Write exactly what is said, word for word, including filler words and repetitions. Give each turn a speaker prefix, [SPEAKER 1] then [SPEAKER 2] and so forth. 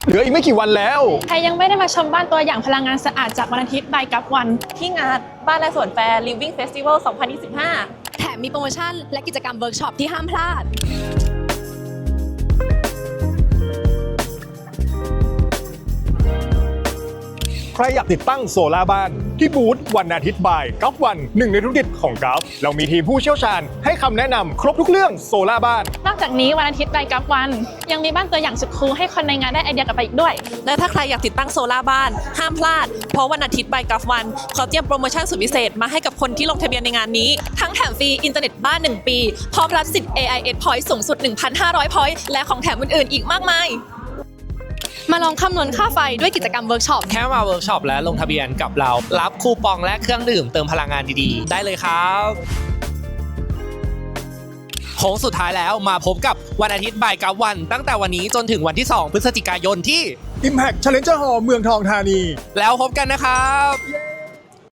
[SPEAKER 1] เหลืออีกไม่กี่วันแล้ว
[SPEAKER 2] ใครยังไม่ได้มาชมบ้านตัวอย่างพลังงานสะอาดจากวันอาทิตย์ by กับวัน
[SPEAKER 3] ที่งานบ้านและสวนแฟร์ Living Festival สองพันยี่สิบห้า
[SPEAKER 4] แถมมีโปรโมชั่นและกิจกรรมเวิร์กช็อปที่ห้ามพลาด
[SPEAKER 1] ใครอยากติดตั้งโซลาร์บ้านที่บูธวันอาทิตย์บ่ายกัฟวันหนึ่งในธุรกิจของกัฟเรามีทีมผู้เชี่ยวชาญให้คำแนะนำครบทุกเรื่องโซลาร์บ้าน
[SPEAKER 2] นอกจากนี้วันอาทิตย์ by กับวันยังมีบ้านตัวอย่างสุดคูลให้คนในงานได้ไอเดียกลับไปอีกด้วย
[SPEAKER 3] และถ้าใครอยากติดตั้งโซลาร์บ้านห้ามพลาดเพราะวันอาทิตย์ by กัฟวันเขาเตรียมโปรโมชั่นสุดพิเศษมาให้กับคนที่ลงทะเบียนในงานนี้ทั้งแถมฟรีอินเทอร์เน็ตบ้านหนึ่งปีพร้อมรับสิทธิ์ เอ ไอ เอส Point สูงสุด หนึ่งพันห้าร้อย Point และของแถมอื่นๆอีกมากมาย
[SPEAKER 4] มาลองคำนวณค่าไฟด้วยกิจกรรมเวิร์กช็อป
[SPEAKER 5] แค่มาเวิร์กช็อปและลงทะเบียนกับเรารับคูปองและเครื่องดื่มเติมพลังงานดีๆได้เลยครับโค้งสุดท้ายแล้วมาพบกับวันอาทิตย์บ่ายกับวันตั้งแต่วันนี้จนถึงวันที่สองพฤศจิกายนที่
[SPEAKER 1] Impact Challenger Hall เมืองทองธานี
[SPEAKER 5] แล้วพบกันนะครับ